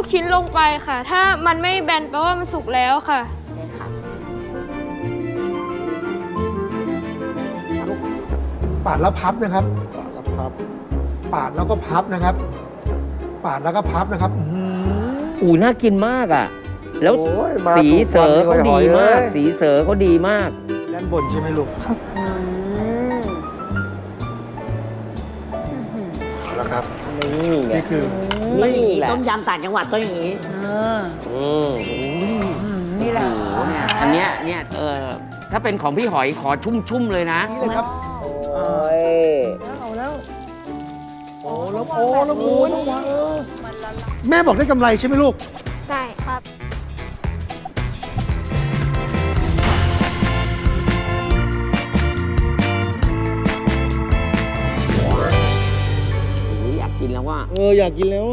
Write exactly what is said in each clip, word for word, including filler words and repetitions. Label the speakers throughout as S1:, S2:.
S1: กชิ้นลงไปค่ะ ถ้ามันไม่แบนแปลว่ามันสุกแล้วค่ะ
S2: ปาดแล้วพับนะครับปาดแล้วพับปาดแล้วก็พับนะครับปาดแล้วก็พับนะครับ
S3: อู๋น่ากินมากอ่ะแล้วสีเสือเขาดีมากสีเสือเขาดีมาก
S2: ด้านบนใช่ไหมลูกครับเอาละครับ
S3: นี่ไง
S2: นี่คือ
S4: ต้องอย่างนี้ต้มยำต่างจังหวัดต้องอย่างนี้
S3: นี่แหละเนี่ยอันเนี้ยเนี่ยเออถ้าเป็นของพี่หอยขอชุ่มๆเลยนะ
S2: นี่เลยครับ
S3: โอ้ย
S2: เอาแล้วโอ้แล้วโอ้แล้วโอ้ยแม่บอกได้กำไรใช่ไหมลูก
S1: ได้ครับ
S3: อยากกินแล้วว่า
S2: เอออยากกินแล้ว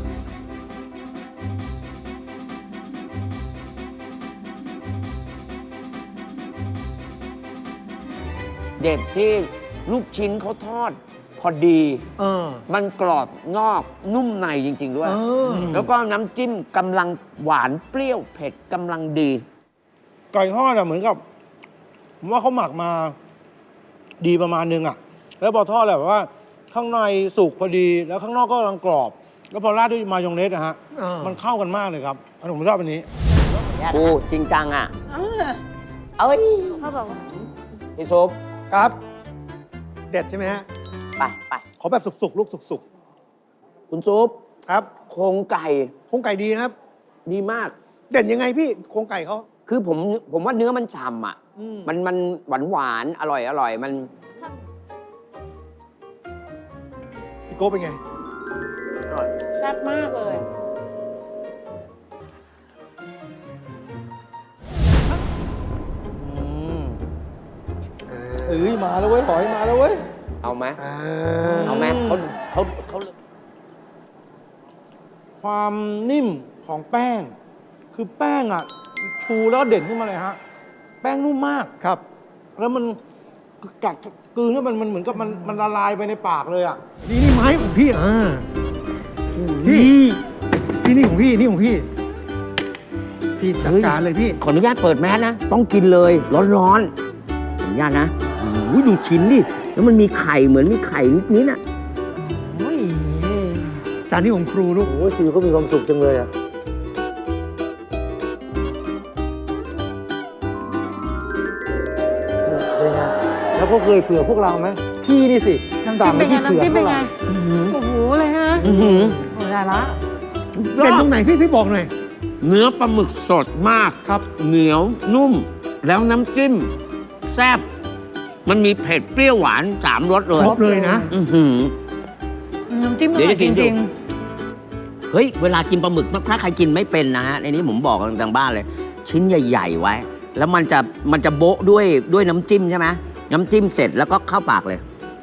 S3: เด็ดที่ลูกชิ้นเขาทอดพอดีเออมันกรอบนอกนุ่มในจริงๆด้วยแล้วก็น้ำจิ้มกำลังหวานเปรี้ยวเผ็ดกำลังดี
S5: ไก่ทอดอะเหมือนกับผมว่าเขาหมักมาดีประมาณนึงอะแล้วพอทอดแบบว่าข้างในสุกพอดีแล้วข้างนอกก็กำลังกรอบแล้วพอราดด้วยมายองเนสนะฮะมันเข้ากันมากเลยครับอันนี้ผมชอบอันนี้
S3: โอ้จริงจังอ่ะ
S4: เอ้ย
S1: เขาบอกว่า
S3: พี่ซุป
S2: ครับเด็ดใช่ไหมฮะ
S3: ไปไป
S2: ขอแบบสุกๆลูกสุก
S3: ๆคุณซุป
S2: ครับ
S3: โครงไก่
S2: โครงไก่ดีนะครับ
S3: ดีมาก
S2: เด่นยังไงพี่โครงไก่เขา
S3: คือผมผมว่าเนื้อมันฉ่ำอ่ะมันมันหวานหวานอร่อยอร่อยมัน
S2: พี่โก้เป็นไง
S4: อร่อยแซ่บมากเลย
S2: เอ้ยมาแล้วเว้ยหอยมาแล้วเว้ย
S3: เอาไหมเอาไหมเขาเขาเขา
S5: ความนิ่มของแป้งคือแป้งอ่ะชูแล้วเด่นขึ้นมาเลยฮะแป้งนุ่มมาก
S2: ครับ
S5: แล้วมันกัดกลืนแล้วมันมันเหมือนกับมันมันละลายไปในปากเลยอ่ะ
S2: นี่นี่ไม้ของพี่อ่าพี่พี่นี่ของพี่นี่ของพี่พี่จัดการเลยพี่
S3: ขออนุญาตเปิดแมสนะต้องกินเลยร้อนๆขออนุญาตนะโอ้ยดูชิ้นดิแล้วมันมีไข่เหมือนมีไข่นิดๆน่ะ
S2: จานที่ของครูลูก
S5: โอ้ยชีวิตเขามีความสุขจังเลยอ่ะเป็นไงแล้วก็เคยเผื่อพวกเราไหมพี่นี่สิ
S4: สั่งไปที่เผื่อพวกเราโอ้โหเลยฮะโอ้โหได้ละ
S2: เด่นตรงไหนพี่พี่บอกหน่อย
S3: เนื้อปลาหมึกสดมาก
S2: ครับ
S3: เหนียวนุ่มแล้วน้ำจิ้มแซ่บมันมีเผ็ดเปรี้ยวหวานสามรสเลย
S2: ครบเลยนะ
S4: น้ำจิ้มอร่อยจริง
S3: เฮ้ยเวลากินปลาหมึกถ้าใครกินไม่เป็นนะฮะในนี้ผมบอกทางบ้านเลยชิ้นใหญ่ๆไว้แล้วมันจะมันจะโบ๊ะด้วยด้วยน้ำจิ้มใช่ไหมน้ำจิ้มเสร็จแล้วก็เข้าปากเลย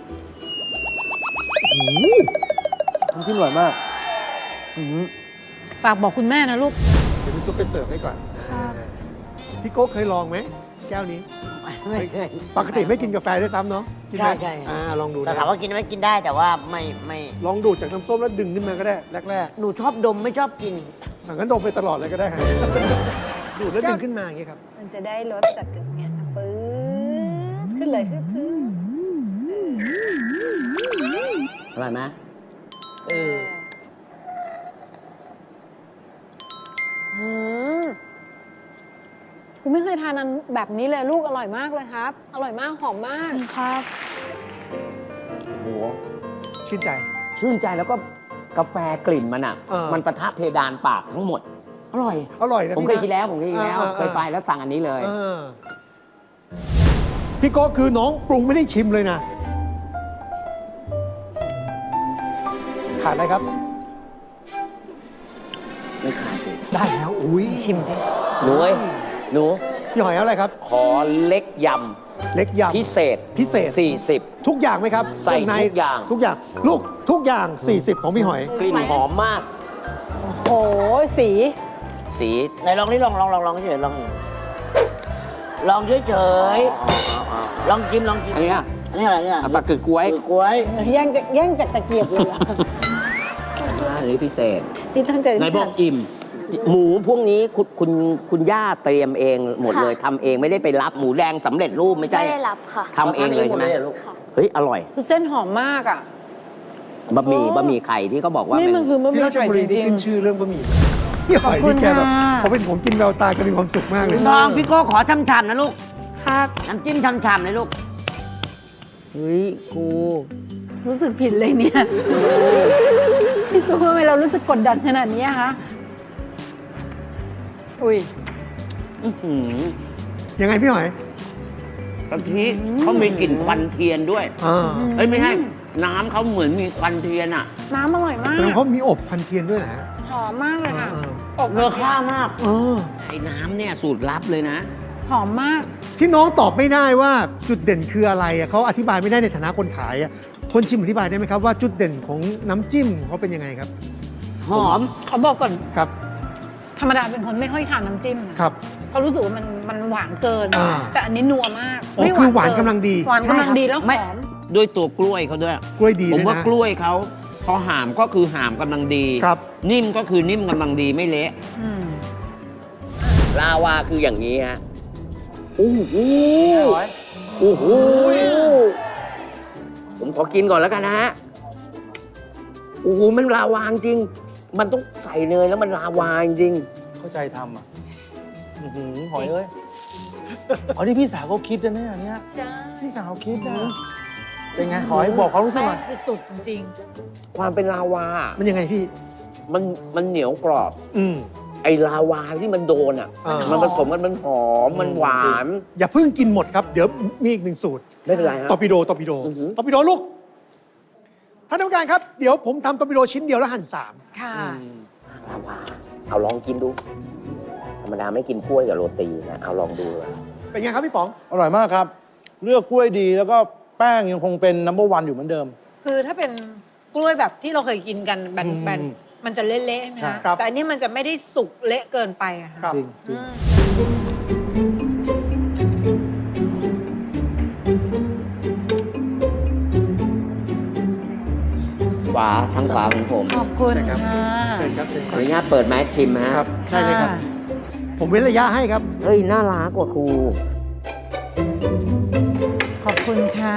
S5: น้ำจิ้มอร่อยมาก
S4: ฝากบอกคุณแม่นะลูก
S2: เดี๋ยวพี่ซุปไปเสิร์ฟให้ก่อนพี่โก้เคยลองไหมแก้วนี้
S4: ไม่เคย
S2: ปกติไม่กินกาแฟด้วยซ้ำเนาะ
S4: ใช่ใช่
S2: อ่าลองดู
S4: แต่ถามว่ากินไหมกินได้แต่ว่าไม่ไม่
S2: ลองดูดจากน้ำส้มแล้วดึงขึ้นมาก็ได้แรก
S4: ๆหนูชอบดมไม่ชอบกิน
S2: งั้นดมไปตลอดเลยก็ได้ฮะดูดแล้วดึงขึ้นมาอย่างเงี้ยครับ
S6: มันจะได้รสจากเนี้ยปื๊ดขึ้นเลยขึ้นขึ้น
S3: อร่อยไหมเออ
S6: อืมกูไม่เคยทานอันแบบนี้เลยลูกอร่อยมากเลยครับอร่อยมากหอมมาก
S1: ครับ
S3: โห
S2: ชื่นใจ
S3: ชื่นใจแล้วก็กาแฟกลิ่นมันอ่ะมันปะทะเพดานปากทั้งหมดอร่อย
S2: อร่อยนะ
S3: ผมเคยกินแล้วผมเคยกินแล้วเคยไปแล้วสั่งอันนี้เลย
S2: พี่โก้คือน้องปรุงไม่ได้ชิมเลยนะขาดอะไรครับ
S3: ไม่ขาดเลย
S2: ได้แล้วอุ้ย
S6: ชิมสิ
S3: หนูเอ้ยหนู
S2: พี่หอยเอาอะไรครับ
S3: ขอเล็กยำ
S2: เล็กยำ
S3: พิเศษ
S2: พิเศษ
S3: สี่สิบ
S2: ทุกอย่างไหมครับ
S3: ใส่ทุกอย่าง
S2: ทุกอย่างลูกทุกอย่างสี่สิบของพี่หอย
S3: กลิ่นหอมมาก
S6: โอ้โหสี
S3: สี
S4: ไหนลองนี่ลองลองลองลองเฉยลองลองเฉยเฉยลองจิ้มลองจิ้ม
S3: อันนี้อ่ะ
S4: อันนี้อะไรเนี่ย
S3: ปลากือกล้วย
S4: กล้วย
S6: แย่งจากแย่งจากตะเกียบเลย
S3: อันนี้พิเศษ
S6: พี่ตั้งใจ
S3: ไหนบอกอิ่ม หมูพวกนี้คุณคุณคุณย่าเตรียมเองหมดเลย
S1: ค่ะ
S3: ทำเองไม่ได้ไปรับหมูแดงสำเร็จรูปไม่ใช่
S1: ไม่ได้รับค่ะ
S3: ทำเองเลยใช่ไหม
S4: ทำเองหมดเลยเหรอลูก
S3: เฮ้ยอร่อย
S6: คือเส้นหอมมากอ่ะ
S3: บะหมี่
S6: โอ้
S3: บะหมี่ไข่ที่เขาบอกว่า
S6: นี่
S3: เป็
S6: มัน
S3: น
S6: คือบะห
S2: ที่
S6: มี่
S2: ราช
S6: ไข่
S2: บุ
S6: จ
S2: รีนี่
S6: ริง
S2: ขึ้นชื่อเรื่องบะหมี่พี่หอย
S6: ขอบคุ
S2: นี่
S6: ณ
S2: แกแบบ
S6: ค่ะ
S2: พอเป็นผมกินแววตาแกมีความสุขมากเลย
S3: น้องพี่โก้ขอช่ำๆนะลูก
S6: ๆครับ
S3: น้ำจิ้มช่ำๆเลยลูก เฮ้ยครู
S6: รู้สึกผิดเลยเนี่ยพี่ซูทำไมเรารู้สึกกดดันขนาดนี้อะคะอุ้ย
S3: อื้อหือ
S2: ยังไงพี่หอย
S3: กะทิเขามีกลิ่นควันเทียนด้วย
S2: อ่า
S3: เอ้ยไม่ใช่น้ำเขาเหมือนมีควันเทียนอ่ะ
S6: น้ำอร่อยมา
S2: แสดง
S6: ก
S2: เขามีอบพันเทียนด้วยนะ
S6: หอมมากเลยค่ะ
S2: อ่า
S6: อบ
S3: เนื้อข้าวมาก
S2: เออ
S3: ไอ้น้ำเนี่ยสูตรลับเลยนะ
S6: หอมมาก
S2: ที่น้องตอบไม่ได้ว่าจุดเด่นคืออะไรอะเขาอธิบายไม่ได้ในฐานะคนขายอะคนชิมอธิบายได้ไหมครับว่าจุดเด่นของน้ำจิ้มเขาเป็นยังไงครับ
S3: หอม
S6: ขอบอกก่อน
S2: ครับ
S6: ธรรมดาเป็นคนไม่ค่อยทานน้ำจิ้มนะครับ เพราะรู้สึกว่ามันมันหวานเกิน
S2: อ่า
S6: แต่อันนี้นัวมาก
S2: อ๋อ
S6: ไม่
S2: คือหวาน
S6: เ
S2: กำลังดี
S6: หวานกำลังดีแล้วห
S3: ไม่
S6: อม
S3: ด้วยตัวกล้วยเขาด้วย
S2: กล้วยดี
S3: ผม
S2: ด้วย
S3: ว่า
S2: นะ
S3: กล้วยเขาพอหามก็คือหามกำลังดี
S2: ครับ
S3: นิ่มก็คือนิ่มกำลังดีไม่เละ
S6: อืม
S3: ลาวาคืออย่างนี้ฮะโอ้โหโอ้โหผมขอกินก่อนแล้วกันนะฮะโอ้โหมันลาวาจริง มันต้องใส่เนยแล้วมันลาวาจริง
S5: เข้าใจทำอ่ะอื้อหือหอยเอ้ยอ๋อนี่พี่สาวเขาคิดนะเนี่ยอันเนี้ย
S6: ใช่
S5: พี่สาวคิดนะเป็นไงหอยบอกเขามรู้สึกหน่อย
S6: คือสุดจริง
S3: ความเป็นลาวา
S2: มันยังไงพี่
S3: มันมันเหนียวกรอบ
S2: อืม
S3: ไอ้ลาวาที่มันโดนอ่ะ
S2: อ่ามั
S3: มันผสมกันมันหอม มันหวาน
S2: อย่าเพิ่งกินหมดครับ เดี๋ยวมีอีกหนึ่งสูตร
S3: ไม่เป็นไรฮะ
S2: ตอร์ปิโดตอร์ปิโด
S3: อือหือ
S2: ตอร์ปิโดลูกท่านผู้การครับ เดี๋ยวผมทำตอร์ปิโดชิ้นเดียวแล้วหั่นสาม
S6: ค่ะ
S3: ลาวา เอาลองกินดู ธรรมดาไม่กินกล้วยกับโรตีนะ เอาลองดูเลย
S2: เป็นไงครับพี่ป๋อง
S5: อร่อยมากครับ เลือกกล้วยดีแล้วก็แป้งยังคงเป็นนัมเบอร์วันอยู่เหมือนเดิม
S6: คือถ้าเป็นกล้วยแบบที่เราเคยกินกันแบน
S5: อืม
S6: ๆมันจะเละๆใช่ไหม
S5: ใช่
S6: คะ
S2: ครับ
S6: แต่อันนี้มันจะไม่ได้สุกเละเกินไปอะค่ะ
S5: จริงจริง
S6: อืม
S3: ขวาทางขวาของผม
S6: ขอบคุณ
S2: ใช่ครับ
S6: ค่ะ
S2: เชิญครับเชิญ
S3: ขออนุญาตเปิดแมสชิมฮะ
S2: ครับใช่เลยครับ ผมเว้นระยะให้ครับ
S3: เฮ้ย น่ารักกว่าครู
S6: ขอบคุณค่ะ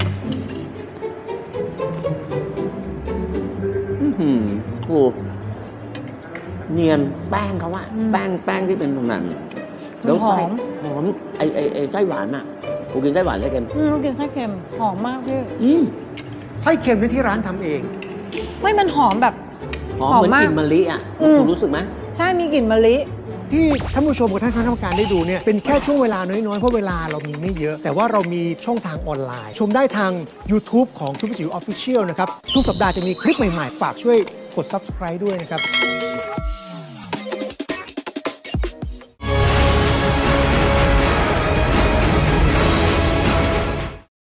S3: อื้อหือครูเนียนแป้งเขาอะ
S6: อืม
S3: แป้งแป้งที่เป็นแบบนั้น
S6: มัน
S3: แล้วไส้
S6: หอม
S3: หอมไอไอไอไส้หวานอะครูกินไส้หวานไส้เค็ม
S6: อืมกินไส้เค็มหอมมากพี่
S3: อืม
S2: ไส้เค็มที่ที่ร้านทำเอง
S6: ไม่มันหอมแบบ
S3: หอม
S6: หอม
S3: เหมือน
S6: มาก
S3: กลิ่นมะลิอะ
S6: อืม
S3: ครูรู้สึกไหม
S6: ใช่มีกลิ่นมะลิ
S2: ที่ท่านผู้ชมกับท่านคณะกรรมการได้ดูเนี่ยเป็นแค่ช่วงเวลาน้อย ๆ เพราะเวลาเรามีไม่เยอะ แต่ว่าเรามีช่องทางออนไลน์ ชมได้ทาง YouTube ของทุกจิ๋วออฟฟิเชียลนะครับ ทุกสัปดาห์จะมีคลิปใหม่ ๆ ฝากช่วยกด Subscribe ด้วยนะครับ